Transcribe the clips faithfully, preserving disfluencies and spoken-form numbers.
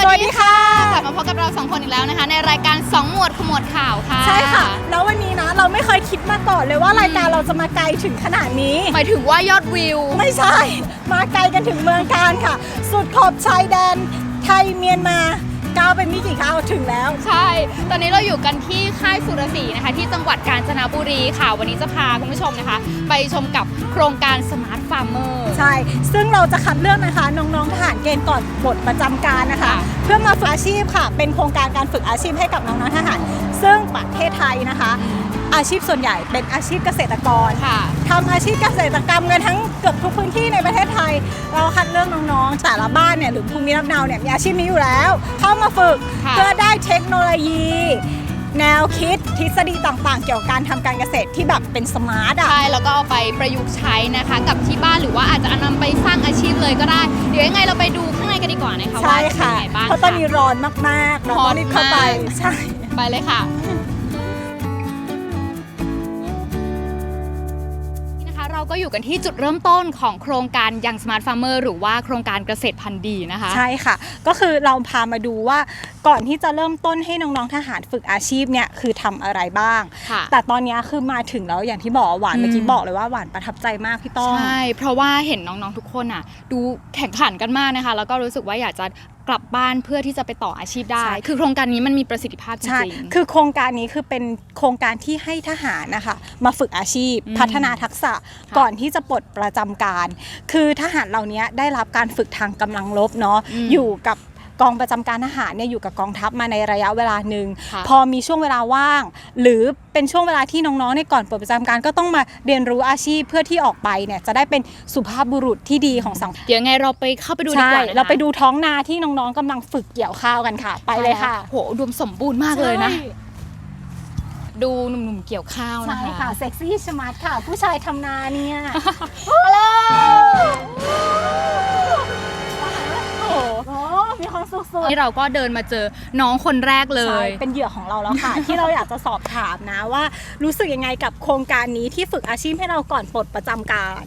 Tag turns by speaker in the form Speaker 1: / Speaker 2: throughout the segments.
Speaker 1: วัสดีค่ะ
Speaker 2: กลับมาพบกับเราสองคนอีกแล้วนะคะในรายการสองหมวดขมวดข่าวค่ะ
Speaker 1: ใช่ค่ะแล้ววันนี้นะเราไม่เคยคิดมาก่อนเลยว่ารายการเราจะมาไกลถึงขนาดนี้
Speaker 2: หมายถึงว่ายอดวิว
Speaker 1: ไม่ใช่มาไกลกันถึงเมืองการค่ะสุดขอบชายแดนไทยเมียนมาก้าวไปไม่กี่ก้าวถึงแล้ว
Speaker 2: ใช่ตอนนี้เราอยู่กันที่ค่ายสุรศรีนะคะที่จังหวัดกาญจนบุรีค่ะวันนี้จะพาคุณผู้ชมนะคะไปชมกับโครงการสมาร์ทฟาร์มเมอร์
Speaker 1: ใช่ซึ่งเราจะคัดเลือกนะคะน้องๆทหารเกณฑ์ก่อนปลดประจำการนะคะเพื่อมาฝึกอาชีพค่ะเป็นโครงการการฝึกอาชีพให้กับน้องๆทหารซึ่งประเทศไทยนะคะอาชีพส่วนใหญ่เป็นอาชีพเกษตรกรทำอาชีพเกษตรกรรมกันทั้งเกือบทุกพื้นที่ในประเทศไทยเราคัดเลือกน้องๆแต่ละบ้านเนี่ยหรือภูมิลำเนาเนี่ยมีอาชีพนี้อยู่แล้วเข้ามาฝึกเพื่อได้เทคโนโลยีแนวคิดทฤษฎีต่างๆเกี่ยวกับการทำการเกษตรที่แบบเป็นสมาร์ทอ่ะ
Speaker 2: ใช่แล้วก็เอาไปประยุกต์ใช้นะคะกับที่บ้านหรือว่าอาจจะนำไปสร้างอาชีพเลยก็ได้เดี๋ยวยังไงเราไปดูข้างในกันดีกว่านะคะว่าเป็นยังไงบ้าง
Speaker 1: เพราะตอนนี้ร้อนมากๆเราต้องรีบเข้าไปใช่
Speaker 2: ไปเลยค่ะเราก็อยู่กันที่จุดเริ่มต้นของโครงการยังสมาร์ทฟาร์มเมอร์หรือว่าโครงการเกษตรพันธุ์ดีนะคะ
Speaker 1: ใช่ค่ะก็คือเราพามาดูว่าก่อนที่จะเริ่มต้นให้น้องๆทหารฝึกอาชีพเนี่ยคือทำอะไรบ้างแต่ตอนนี้คือมาถึงแล้วอย่างที่บอกหวานเมื่อกี้บอกเลยว่าหวานประทับใจมากพี่ต้อง
Speaker 2: ใช่เพราะว่าเห็นน้องๆทุกคนอ่ะดูแข่งขันกันมากนะคะแล้วก็รู้สึกว่าอยากจะกลับบ้านเพื่อที่จะไปต่ออาชีพได้คือโครงการนี้มันมีประสิทธิภาพจริง
Speaker 1: ๆคือโครงการนี้คือเป็นโครงการที่ให้ทหารนะคะมาฝึกอาชีพพัฒนาทักษะก่อนที่จะปลดประจำการคือทหารเหล่านี้ได้รับการฝึกทางกำลังรบเนาะอยู่กับกองประจำการทหารเนี่ยอยู่กับกองทัพมาในระยะเวลาหนึ่งพอมีช่วงเวลาว่างหรือเป็นช่วงเวลาที่น้องๆในก่อนปลดประจำการก็ต้องมาเรียนรู้อาชีพเพื่อที่ออกไปเนี่ยจะได้เป็นสุภาพบุรุษที่ดีของสังคม
Speaker 2: เดี๋ยวไงเราไปเข้าไปดูดีกว่า
Speaker 1: เราไปดูท้องนาที่น้องๆกำลังฝึกเกี่ยวข้าวกันค่ะไปเลยค่ะ
Speaker 2: โหอุดมสมบูรณ์มากเลยนะดูหนุ่มๆเกี่ยวข้าวนะคะ
Speaker 1: ใช่ค่ะเซ็กซี่สมาร์ทค่ะผู้ชายทำนาเนี่ย
Speaker 2: ฮัลโหล
Speaker 1: มีความสุขสุด
Speaker 2: ที่เราก็เดินมาเจอน้องคนแรกเลย
Speaker 1: เป็นเหยื่อของเราแล้วค่ะ ที่เราอยากจะสอบถามนะว่ารู้สึกยังไงกับโครงการนี้ที่ฝึกอาชีพให้เราก่อนปลดประจำการ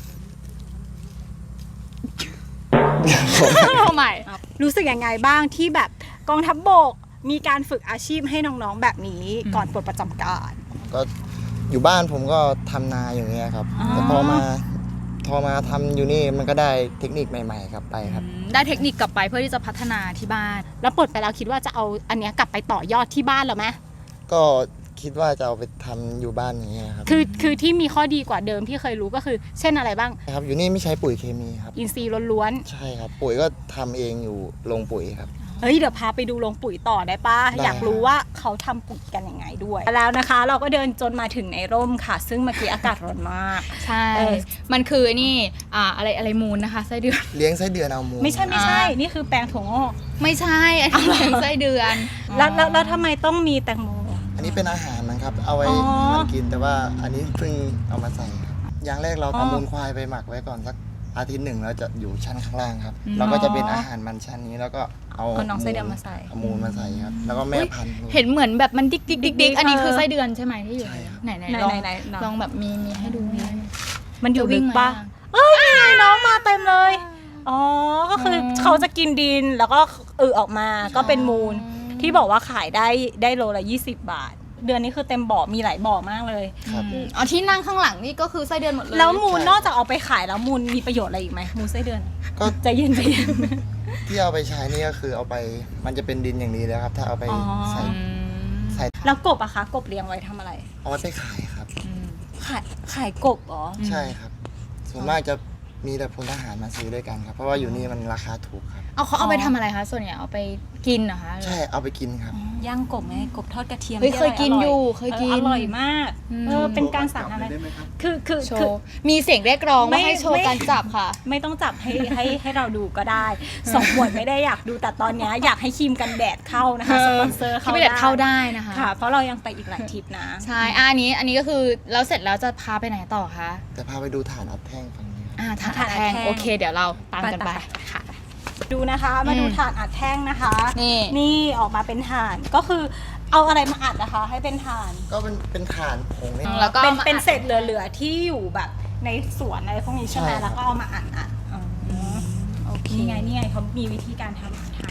Speaker 2: ใหม่
Speaker 1: รู้สึกยังไงบ้างที่แบบกองทัพบกมีการฝึกอาชีพให้น้องๆแบบนี้ก่อนปลดประจำการ
Speaker 3: ก็อยู่บ้านผมก็ทำนาอย่างเงี้ยครับแต่พอมาพอมาทำอยู่นี่มันก็ได้เทคนิคใหม่ๆครับไปครับ
Speaker 2: ได้เทคนิคกลับไปเพื่อที่จะพัฒนาที่บ้าน
Speaker 1: แล้วปลดไปแล้วคิดว่าจะเอาอันนี้กลับไปต่อยอดที่บ้านหรือไหม
Speaker 3: ก็คิดว่าจะเอาไปทำอยู่บ้านอย่างเงี้ยครับ
Speaker 1: คือคือที่มีข้อดีกว่าเดิมที่เคยรู้ก็คือเช่นอะไรบ้าง
Speaker 3: ครับอยู่นี่ไม่ใช้ปุ๋ยเคมีครับ
Speaker 1: อินทรีย์ล้วน
Speaker 3: ๆใช่ครับปุ๋ยก็ทำเองอยู่โรงปุ๋ยครับ
Speaker 1: เฮ้ยเดี๋ยวพาไปดูโรงปุ๋ยต่อได้ป่ะอยากรู้ว่าเขาทำปุ๋ยกันยังไงด้วยแล้วนะคะเราก็เดินจนมาถึงในร่มค่ะซึ่งเมื่อกี้อากาศร้อนมาก
Speaker 2: ใช่มันคือนี่อ่าอะไรอะไรมูลนะคะไส้เดือน
Speaker 3: เลี้ยงไส้เดือนเอามูล
Speaker 1: ไม่ใช่ไม่ใช่นี่คือแปลงถั่วงอก
Speaker 2: ไม่ใช่อันนี้เลี้ยงไส้เดือน
Speaker 1: แล้วแล้วทำไมต้องมีแตงโม
Speaker 3: อันนี้เป็นอาหารนะครับเอาไว้มันกินแต่ว่าอันนี้เพิ่งเอามาใส่ครับอย่างแรกเราเอามูลควายไปหมักไว้ก่อนสักอาทิตย์หนึ่งแล้วจะอยู่ชั้นข้างล่างครับเราก็จะเป็นอาหารมันชั้นนี้แล้วก็เอา
Speaker 1: น้องไส้เดือนมาใส่
Speaker 3: เอามูลมาใส่ครับแล้วก็แม่พันธุ์
Speaker 2: เห็นเหมือนแบบมันดิกดิกดิกดิกอันนี้คือไส้เดือนใช่ไหมที่อยู่ไหนไหนลองลองแบบมีมีให้ดู
Speaker 1: มันอยู่ลึกปะเอ้ยน้องมาเต็มเลยอ๋อก็คือเขาจะกินดินแล้วก็เออออกมาก็เป็นมูลที่บอกว่าขายได้ได้โลละยี่สิบบาทเดือนนี้คือเต็มบ่อมีหลายบ่อมากเลย
Speaker 2: อ๋อที่นั่งข้างหลังนี่ก็คือไส้เดือนหมดเลย
Speaker 1: แล้วมูลนอกจากเอาไปขายแล้วมูลมีประโยชน์อะไรอีกไหมมูลไส้เดือน
Speaker 3: ก็
Speaker 1: ใจเย็นใจเย็น
Speaker 3: ที่เอาไปใช้นี่ก็คือเอาไปมันจะเป็นดินอย่างนี้แล้วครับถ้าเอาไปใส่
Speaker 1: ใส่แล้วกบอะคะกบเลี้ยงไว้ทำอะไร
Speaker 3: เอาไว้ไปขายครับ
Speaker 1: ขายขายกบเหรอ
Speaker 3: ใช่ครับส่วนมากจะมีแต่พลทหารมาซื้อด้วยกันครับเพราะว่าอยู่นี่มันราคาถูกครับ
Speaker 2: เอาเขาเอาไปทำอะไรคะส่วนใหญ่เอาไปกินเหรอคะ
Speaker 3: ใช่เอาไปกินครับ
Speaker 1: ย่างกบไงกบทอดกระเทียม
Speaker 2: เคยกินอยู่เคยกิน
Speaker 1: อร่อยมากเออเป็นการสั่งอะไรคือคือ
Speaker 2: คือมีเสียงเรียกร้องว่าให้โชว์การจับค่ะ
Speaker 1: ไม่ต้องจับให้ให้ให้เราดูก็ได้สองหมวดไม่ได้อยากดูแต่ตอนนี้อยากให้ครีมกันแดดเข้านะคะสปอนเซอร์
Speaker 2: เข้าได้เข้าได้นะคะ
Speaker 1: ค่ะเพราะเรายังไปอีกหลายทริปนะ
Speaker 2: ใช่อันนี้อันนี้ก็คือแล้วเสร็จแล้วจะพาไปไหนต่อคะ
Speaker 3: จะพาไปดูฐานอัดแท่งฝั่งนี้
Speaker 2: อ่าฐานอัดแท่งโอเคเดี๋ยวเราตามกันไปค่ะ
Speaker 1: ดูนะคะมาดูถ่านอัดแท่งนะคะนี่นี่ออกมาเป็นถ่านก็คือเอาอะไรมาอัดนะคะให้เป็นถ่าน
Speaker 3: ก็เป็นเป็นถ่านผง
Speaker 1: นี่แล้วก็เป็นเป็นเศษเหลือๆที่อยู่แบบในสวนอะไรพวกนี้ใช่ไหมแล้วก็เอามาอัดอัดโอเคนี่ไงนี่ไงเขามีวิธีการทำถ่านอัดแท่ง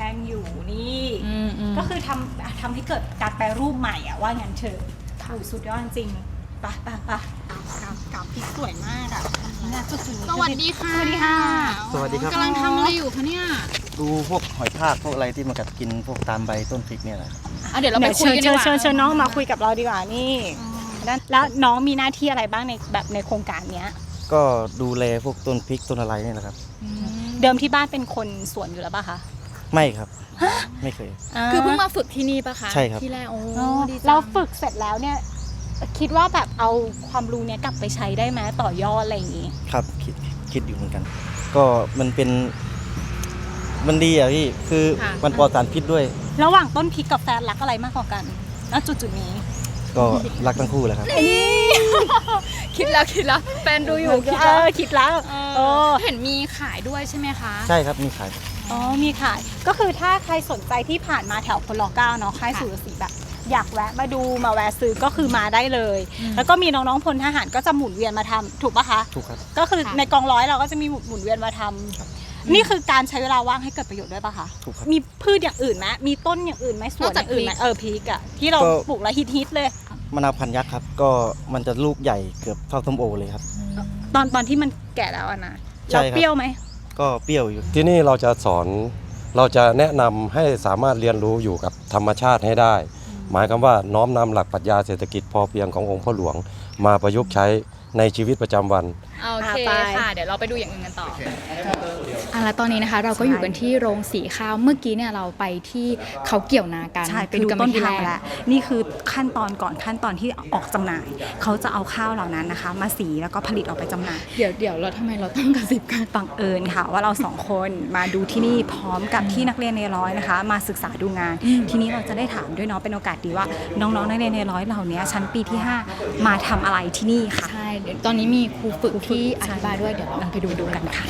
Speaker 1: งอยู่นี่
Speaker 2: อืมอืม
Speaker 1: ก็คือทำทำให้เกิดการแปรรูปใหม่อะว่างั้นเถอะโอ้ยสุดยอดจริงๆไปไปไปกับกับพริกสวยมากอะนี่นะจุดๆนี้
Speaker 2: สวัสดีค่ะ
Speaker 1: สวัสดีค่ะ
Speaker 3: สวัสดีครับ
Speaker 2: กำลังทำอะไรอยู่คะเนี่ย
Speaker 3: ดูพวกหอยทากพวกอะไรที่มันกัดกินพวกตามใบต้นพริกเนี่ยแหละ
Speaker 2: อ่ะเดี๋ยวเราไป
Speaker 1: เดี๋ยว
Speaker 2: คุย
Speaker 1: เชิญ
Speaker 2: กันดี
Speaker 1: เชิญ
Speaker 2: กว่า
Speaker 1: เชิญเชิญน้องมาคุยกับเราดีกว่านี่แล้วแล้วน้องมีหน้าที่อะไรบ้างในแบบในโครงการเนี้ย
Speaker 3: ก็ดูแลพวกต้นพริกต้นอะไรเนี่ยแหละครับ
Speaker 1: เดิมที่บ้านเป็นคนสวนอยู่แล้วป่ะคะ
Speaker 3: ไม่ครับ ไม่เคย
Speaker 2: คือเพิ่งมาฝึกที่นี่ปะคะ
Speaker 3: ใช่ครับ
Speaker 2: ที่แรกโอ้
Speaker 1: อ๋อ
Speaker 2: ดีจัง
Speaker 1: เราฝึกเสร็จแล้วเนี่ยคิดว่าแบบเอาความรู้เนี้ยกลับไปใช้ได้ไหมต่อยอดอะไรอย่างงี้
Speaker 3: ครับคิดคิดอยู่เหมือนกัน ก็มันเป็นมันดีอ่ะพี่คือมันปลอดสารพิษด้วย
Speaker 1: ระหว่างต้นพริกกับแฟนรักอะไรมากกว่ากันณจุดจุดๆนี้
Speaker 3: ก็รักทั้งคู่แหละครับ
Speaker 2: คิดแล้วคิดแล้วแฟนดูอยู่คิด
Speaker 1: เอ
Speaker 2: แล้ว
Speaker 1: อคิดแล้วเออ
Speaker 2: เห็นมีขายด้วยใช่ไหมคะ
Speaker 3: ใช่ครับมีขาย
Speaker 1: อ๋อมีขายก็คือถ้าใครสนใจที่ผ่านมาแถวพลเก้าเนาะค่ายสุรศรีแบบ อยากแวะมาดูมาแวะซื้อก็คือมาได้เลย แล้วก็มีน้องๆพลทหารก็จะหมุนเวียนมาทำถูกปะคะ
Speaker 3: ถูกครับ
Speaker 1: ก็คือ
Speaker 2: ค่ะ
Speaker 1: ในกองร้อยเราก็จะมีหมุนเวียนมาทำนี่คือการใช้เวลาว่างให้เกิดประโยชน์ด้วยปะคะ
Speaker 3: ถูกครับ
Speaker 1: มีพืชอย่างอื่นไหมมีต้นอย่างอื่นไหมสวนอย่างอื่นไหมเออพริกอะที่เรา
Speaker 3: ก็
Speaker 1: ปลูกแล้วฮิตๆเลย
Speaker 3: มะนาวพันยักษ์ครับ ก็มันจะลูกใหญ่เกือบเท่าส้มโอเลยครับ
Speaker 1: ตอนตอนที่มันแก่แล้วอะนะ
Speaker 3: ใช่
Speaker 1: แล้ว
Speaker 3: ครับ
Speaker 1: เปรี้ยวไหม
Speaker 3: ก็เปรี้ยวอยู่
Speaker 4: ที่นี่เราจะสอนเราจะแนะนำให้สามารถเรียนรู้อยู่กับธรรมชาติให้ได้ หมายความว่าน้อมนำหลักปรัชญาเศรษฐกิจพอเพียงขององค์พ่อหลวง มาประยุกต์ใช้ในชีวิตประจำวัน
Speaker 2: โอเค
Speaker 1: ไป
Speaker 2: ค่ะ เดี๋ยวเราไปดูอย่างอื่นกันต่ออ่ะแล้วตอนนี้นะคะ เราก็อยู่กันที่โรงสีข้าวเมื่อกี้เนี่ยเราไปที่เขาเกี่ยวนากัน
Speaker 1: ใช่ไป
Speaker 2: คือ
Speaker 1: ดู
Speaker 2: กัน
Speaker 1: ต้น
Speaker 2: ที่
Speaker 1: ทาง
Speaker 2: แร
Speaker 1: แล้ว
Speaker 2: ก
Speaker 1: นี่คือขั้นตอนก่อนขั้นตอนที่ออกจำหน่าย เขาจะเอาข้าวเหล่านั้นนะคะ มาสีแล้วก็ผลิตออกไปจำหน่าย
Speaker 2: เดี๋ยวเดี๋ยวเราทำไมเราต้องกระซิบกัน
Speaker 1: บังเอิญค่ะว่าเราสองคนมาดูที่นี่พร้อมกับที่นักเรียนในร้อยนะคะ มาศึกษาดูงาน ทีนี้เราจะได้ถามด้วยเนาะเป็นโอกาสดีว่าน้องๆนักเรียนในร้อยเหล่านี้ชั้นปีที่ห้ามาทำอะไรที่นี่ค่ะ
Speaker 2: ใช่เดี๋ยวตอนนี้มีครูฝึกที่อธิบายด้วยเดี๋ยวเราไปดูดูกันค่ะ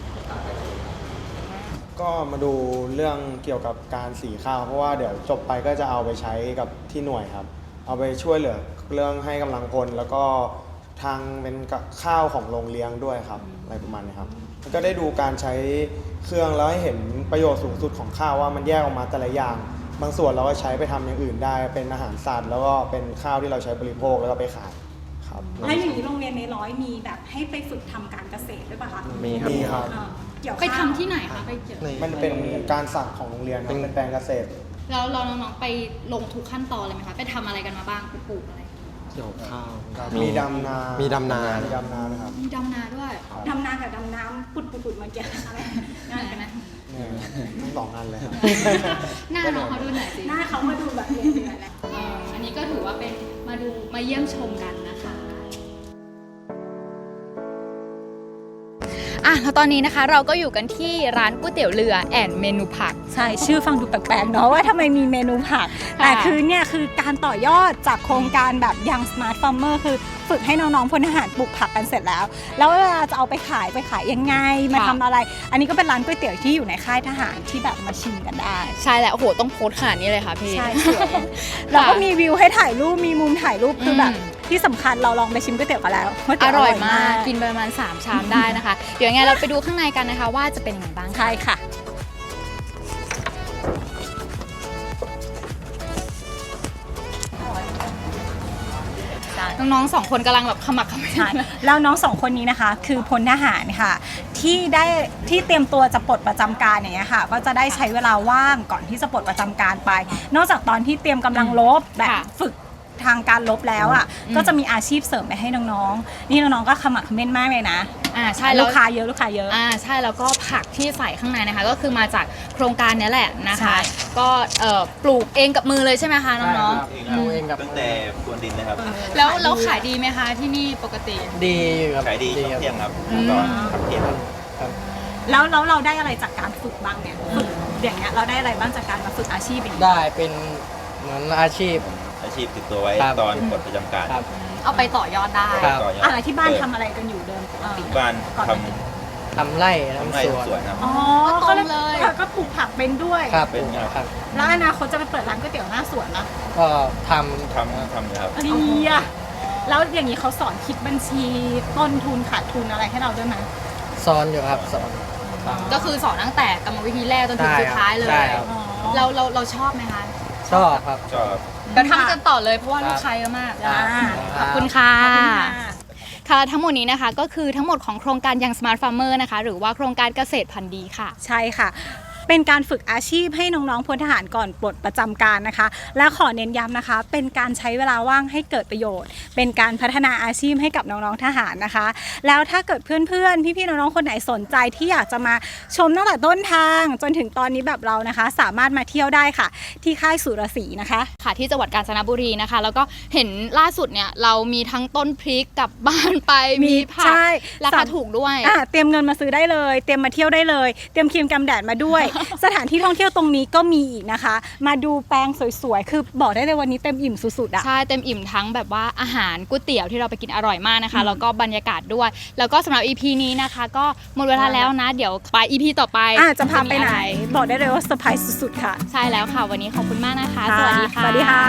Speaker 5: ก็มาดูเรื่องเกี่ยวกับการสีข้าวเพราะว่าเดี๋ยวจบไปก็จะเอาไปใช้กับที่หน่วยครับ เอาไปช่วยเหลือเรื่องให้กำลังพลแล้วก็ทางเป็นกับข้าวของโรงเลี้ยงด้วยครับอะไรประมาณนี้ครับแล้วก็ได้ดูการใช้เครื่องแล้วให้เห็นประโยชน์สูงสุดของข้าวว่ามันแยกออกมาแต่ละอย่าง บางส่วนเราก็ใช้ไปทำอย่างอื่นได้ เป็นอาหารสัตว์แล้วก็เป็นข้าวที่เราใช้บริโภคแล้วก็ไปขายครับ
Speaker 1: แล้วอย่างนี้โรงเรียนในร้อยมีแบบให้ไปฝึกทำการเกษตรด้วยป่ะคะ
Speaker 3: มีครับ
Speaker 5: มีครับ
Speaker 1: อ่าเกี่ยว
Speaker 2: ไป
Speaker 1: ข้าว
Speaker 2: ทำที่ไหนคะไปเกี่ยว
Speaker 5: มันเป็นการสั่งของโรงเรียนครับเป็นแปลงเกษตร
Speaker 2: แล้วเราน้องๆไปลงทุกขั้นตอนเลยไหมคะไปทำอะไรกันมาบ้างปลูกอะไร
Speaker 4: เกี่ยวข้าว
Speaker 5: มีดำนา
Speaker 4: มีดำนา
Speaker 5: มีดำนานะครับ
Speaker 2: มีดำนาด้วย
Speaker 1: ดำนากับดำน้ำปุดปุดปุดมาเกี่ยวอะไร
Speaker 2: ง่ายกันนะ
Speaker 5: เนี่ยทั้งสองอันเลยครับ
Speaker 2: หน้าน้องเขาดูหน่อยสิ
Speaker 1: หน้าเขามาดูแบบเดือดๆแล้ว
Speaker 2: เอ่ออันนี้ก็ถือว่าเป็นมาดูมาเยี่ยมชมกันนะคะอ่ะแล้วตอนนี้นะคะเราก็อยู่กันที่ร้านก๋วยเตี๋ยวเรือแอนเมนูผัก
Speaker 1: ใช่ชื่อฟังดูแปลกๆเนาะว่าทำไมมีเมนูผัก แต่คือเนี่ยคือการต่อยอดจากโครงการแบบยัง Smart Farmer คือฝึกให้น้องๆพลทหารปลูกผักกันเสร็จแล้ว แล้วเวลาจะเอาไปขายไปขายยังไงมาทำอะไร อันนี้ก็เป็นร้านก๋วยเตี๋ยวที่อยู่ในค่ายทหารที่แบบมาชิมกันได้
Speaker 2: ใช่แล้วโอ้โหต้องโพสต์ขนาดนี้เลยค่ะพี่
Speaker 1: ใช่สวยแล้วก็มีวิวให้ถ่ายรูปมีมุมถ่ายรูปคือแบบ
Speaker 2: อืม
Speaker 1: ที่สำคัญเราลองไปชิมก๋วยเตี๋ยวกันแล้วก๋ว
Speaker 2: อ
Speaker 1: เตี๋ว
Speaker 2: ร่อยมากกินไปประมาณสามชามได้นะคะ เดี๋ยวยังไงเราไปดูข้างในกันนะคะ ว่าจะเป็นยังไงบ้างค่ะ
Speaker 1: ใช่ค่ะ
Speaker 2: น้องๆสองคนกำลังแบบขมักเขม้น
Speaker 1: ใช่แล้วน้องสองคนนี้นะคะคือพลทหารค่ะที่ได้ที่เตรียมตัวจะปลดประจำการอย่างเงี้ยค่ะ ก็จะได้ใช้เวลาว่างก่อนที่จะปลดประจำการไป นอกจากตอนที่เตรียมกำลังรบแบบ
Speaker 2: ค่ะ
Speaker 1: ฝึกทางการรบแล้วอ่ะ
Speaker 2: อืม
Speaker 1: ก็จะมีอาชีพเสริมไปให้น้องๆนี่น้องๆก็ขมักเขม้นมากเลยนะ
Speaker 2: อ่าใช่
Speaker 1: ลู
Speaker 2: แล้ว
Speaker 1: กค้าเยอะลูกค้าเยอะ
Speaker 2: อ่าใช่แล้วก็ผักที่ใส่ข้างในนะคะ ก็คือมาจากโครงการนี้แหละนะ
Speaker 1: ใช่
Speaker 2: คะ ก็เอ่อปลูกเองกับมือเลยใช่ไหมคะน้อง
Speaker 6: ดูเองกับตั้งแต่พรวนดินนะครับ
Speaker 2: ๆแล้วแล้วขายดีไหมคะที่นี่ปกติ
Speaker 4: ดีครับ
Speaker 6: ขายดีช่วงเที่ยงครับ
Speaker 2: อืม
Speaker 6: ตอนพักเที่ยงครับ
Speaker 1: แล้วแล้วเราได้อะไรจากการฝึกบ้างเนี่ยฝึกอย่างเงี้ยเราได้อะไรบ้างจากการมาฝึกอาชีพอย่างเงี้ย
Speaker 7: ได้เป็นเหมือนอาชีพ
Speaker 6: อาชีพติดตัวไว้
Speaker 7: ครับ
Speaker 6: ตอนปลดประจำการ
Speaker 7: ครับ
Speaker 2: เอาไปต่อยอดได้
Speaker 7: ครับ
Speaker 6: ต่อยอด
Speaker 1: อะไรที่บ้าน
Speaker 6: เปิด
Speaker 1: ทำอะไรกันอยู่เดิมปกติ
Speaker 6: ที่บ้าน
Speaker 1: ก่อน
Speaker 6: ท
Speaker 7: ทำไร่
Speaker 6: ำทำ
Speaker 7: ทำ
Speaker 6: ไร่
Speaker 7: สวน
Speaker 6: ทำสวนครับ
Speaker 1: อ๋อ
Speaker 2: ก็ตรงเลย
Speaker 1: ก็ปลูกผักเป็นด้วย
Speaker 7: ครับ
Speaker 6: เป็นไง
Speaker 7: ครับ
Speaker 1: แล้วอนาคตจะไปเปิดร้านก๋วยเตี๋ยวหน้าสวนนะ
Speaker 7: ก็ท
Speaker 6: ทำทำนะครับ
Speaker 1: อะไรอ่ะแล้วอย่างนี้เขาสอนคิดบัญชีต้นทุนขาดทุนอะไรให้เราด้วยไหม
Speaker 7: ำซ้อนอยู่ครับสอนครับ
Speaker 2: ก็คือสอนตั้งแต่กรรมวิธีแรกจนถึงสุดท้ายเลย
Speaker 7: ได้ครับ
Speaker 1: อ๋อ
Speaker 2: เราเราเราชอบไหมคะ
Speaker 7: ชอบครับ
Speaker 6: ชอบ
Speaker 2: เดี๋ยวทำกันต่อเลยเพราะว่าลูกค้าเยอะมาก
Speaker 1: อ่า
Speaker 2: ขอบคุณค่ะ
Speaker 1: ขอบคุณค่ะ
Speaker 2: ค่ะทั้งหมดนี้นะคะก็คือทั้งหมดของโครงการยัง Smart Farmer นะคะหรือว่าโครงการเกษตรพันธุ์ดีค่ะ
Speaker 1: ใช่ค่ะ เป็นการฝึกอาชีพให้น้องๆพลทหารก่อนปลดประจำการนะคะ และขอเน้นย้ำนะคะ เป็นการใช้เวลาว่างให้เกิดประโยชน์ เป็นการพัฒนาอาชีพให้กับน้องๆทหารนะคะ แล้วถ้าเกิดเพื่อนๆพี่ๆน้องๆคนไหนสนใจที่อยากจะมาชมตั้งแต่ต้นทาง จนถึงตอนนี้แบบเรานะคะ สามารถมาเที่ยวได้ค่ะ ที่ค่ายสุรศรีนะคะ
Speaker 2: ค่ะที่จังหวัดกาญจนบุรีนะคะ แล้วก็เห็นล่าสุดเนี่ยเรามีทั้งต้นพริกกลับบ้านไปมีผัก
Speaker 1: ใช่
Speaker 2: ราคาถูกด้วย
Speaker 1: อ่ะเตรียมเงินมาซื้อได้เลย เตรียมมาเที่ยวได้เลย เตรียมครีมกันแดดมาด้วย สถานที่ท่องเที่ยวตรงนี้ก็มีอีกนะคะ มาดูแปลงสวยๆ คือบอกได้เลยวันนี้เต็มอิ่มสุดๆอ่ะ
Speaker 2: ใช่เต็มอิ่มทั้งแบบว่าอาหารก๋วยเตี๋ยวที่เราไปกินอร่อยมากนะคะ แล้วก็บรรยากาศด้วย แล้วก็สำหรับ อี พี นี้นะคะก็หมดเวลาแล้วนะ เดี๋ยวไป อี พี ต่อไป
Speaker 1: อ่ะจะพาไปไหน
Speaker 2: มีอะร
Speaker 1: บอกได้เลยว่าเซอร์ไพรส์สุดๆค่ะ
Speaker 2: ใช่แล้วค่ะ วันนี้ขอบคุณมากนะคะ สวัสดีค่ะ
Speaker 1: สวัสดีค่ะ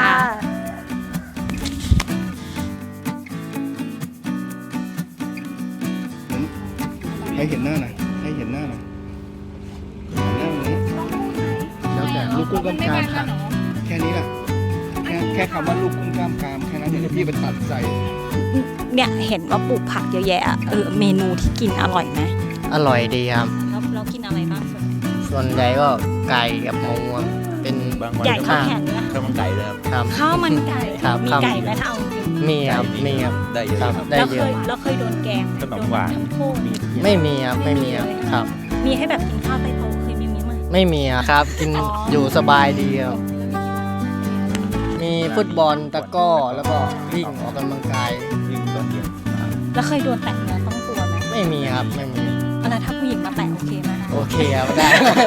Speaker 8: ให้เห็นหน้าหน่อยให้เห็นหน้าหน่อยเห็นหน้าตรงนี้แล้วแต่ลูกกุ้งกล้ามกรามค่ะแค่นี้แหละแค่แค่คำว่าลูกกุ้งกล้ามกรามแค่นั้นเดี๋ยวพี่ไปตัดใส่
Speaker 1: เนี่ยเห็นว่าปลูกผักเยอะแยะอะเออเมนูที่กินอร่อยไหม
Speaker 7: อร่อยดีครับ
Speaker 1: แล้วเรากินอะไรบ้างส่วน
Speaker 7: ส่วนใหญ่ก็ไก่กับหมูครับเป็น
Speaker 6: บางวัน
Speaker 1: ใหญ่
Speaker 6: ก็
Speaker 1: ข้าวแข็งเลย
Speaker 6: ข้าวมันไก่เลยครับ
Speaker 7: ครับ
Speaker 1: ข้าวมันไก่
Speaker 7: ครับ
Speaker 1: มี
Speaker 7: ครับ
Speaker 1: ไก่ไหมถ้าเอาจริง
Speaker 7: มีครับมีครับ
Speaker 6: ได้เยอะ
Speaker 7: ครับ
Speaker 6: ครับ
Speaker 7: ได้
Speaker 1: เรา
Speaker 7: เย
Speaker 1: เค
Speaker 7: อะ
Speaker 1: ยเราเคยโดนแกง
Speaker 6: ขนมหวาน
Speaker 1: โดทำโทษ
Speaker 6: มีทุกอย่าง
Speaker 7: ไม่มีครับไม่มีครับครับ
Speaker 1: มีให้แบบกินข้าวใต้โต๊ะเคยมีมั้ย
Speaker 7: ไม่มีครับ กิน
Speaker 1: อ๋อ
Speaker 7: อ
Speaker 1: อ
Speaker 7: ยู่สบายดีครับ มีฟุตบอลตะกร้อแล้วก็วิ่งออกกำลังกาย
Speaker 6: ยิ่งตอนเย็น
Speaker 1: แล้วเคยโดนแตะเนื้อต้องตัวไหม
Speaker 7: ไม่มีครับไม่มี
Speaker 1: แล้วถ้าผู้หญิงมาแตะโอเคไหมคะ
Speaker 7: โอเคครับได้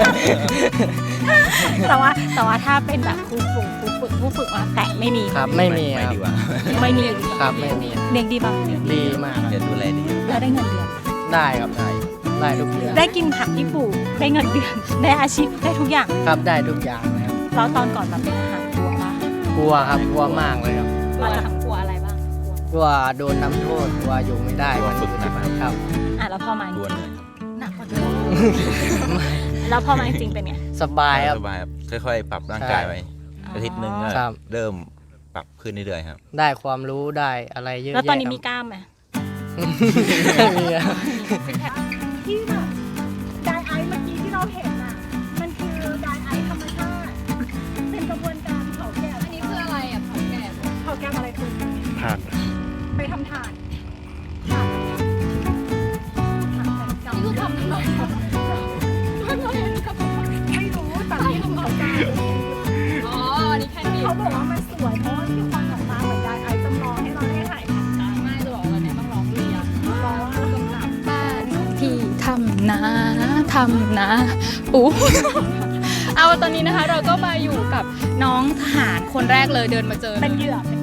Speaker 1: แต่ว่าแต่ว่าถ้าเป็นแบบครูฝึกครูฝึกผู้ฝึกมาแตะไม่มี
Speaker 7: ครับไม่มี
Speaker 6: ไม่
Speaker 7: ครับ
Speaker 6: ดีกว่า
Speaker 1: ไม่มี
Speaker 7: ครับไม่มี
Speaker 1: เด็กดีป่ะเด็ก
Speaker 7: ดีมากครับ
Speaker 6: จะดูแลดี
Speaker 1: แล้วได้เงินเดือน
Speaker 7: ได้ครับได้ได้ทุกเดือน
Speaker 1: ได้กินผักที่ปลูกได้เงินเดือนได้อาชีพได้ทุกอย่าง
Speaker 7: ครับได้ทุกอย่างเลยครับ
Speaker 1: แล้วตอนก่อนมาเป็นอาหารกลัวปะ
Speaker 7: กลัวครับกลัวมากเลยครับ
Speaker 1: กลัวทำกลัวอะไรบ้าง
Speaker 7: กลัวโดนน้ำโทษกลัวอยู่ไม่ได้
Speaker 6: กลัวฝึกหนัก
Speaker 7: ครับ
Speaker 1: อ่ะแล้วพอมาจ
Speaker 6: กลัว
Speaker 1: ริง
Speaker 6: เหนื่อยครับ
Speaker 1: ๆหนักกว่าเดิมแล้วพอมาจริงๆเป็นไง
Speaker 7: สบายครับ
Speaker 6: สบายครับค่อยๆ ปรับร่างกายไปอาทิตย์หนึ่งก็
Speaker 7: ครับ
Speaker 6: เริ่มปรับขึ้นเรื่อยๆครับ
Speaker 7: ได้ความรู้ได้อะไรเยอะ
Speaker 1: แล้ว
Speaker 7: แยะ
Speaker 1: ตอนนี้มี
Speaker 7: ครับ
Speaker 1: กล้ามไหม
Speaker 7: ไม่มีครับ
Speaker 1: ที่แบบไดไอซ์เมื่อกี้ที่เราเห็นอ่ะมันคือไดไอซ์ธรรมชาติเป็นกระบวนการเผาแก๊ส
Speaker 2: อันนี้คืออะไรอ่ะผักแกบ
Speaker 1: เผาแก๊สอะไรคุณ
Speaker 8: ผ่าน
Speaker 1: ไปทำถ่านถ่านถ่านใส่กำ
Speaker 2: นี่คือทำทำไมอะทำไมอันนี้กับ
Speaker 1: ไม่รู้แต่ที่เขาจะ
Speaker 2: อ๋ออันนี้แค่นี้
Speaker 1: เขาบอกว่ามันสวยเพราะว่าที่ควันออกมาเหมือนไดไอซ์จำลองให้เราได้ถ่ายทำกัน
Speaker 2: ไม่จะบอกว่าเนี่ยต้องร้องเรียน
Speaker 1: ร้องกำกับ
Speaker 2: บ้านที่ทำนาทำนาอู้ เอาตอนนี้นะคะเราก็มาอยู่กับน้องทหารคนแรกเลยเดินมาเจอ
Speaker 1: เป็นเหยื่อเป็น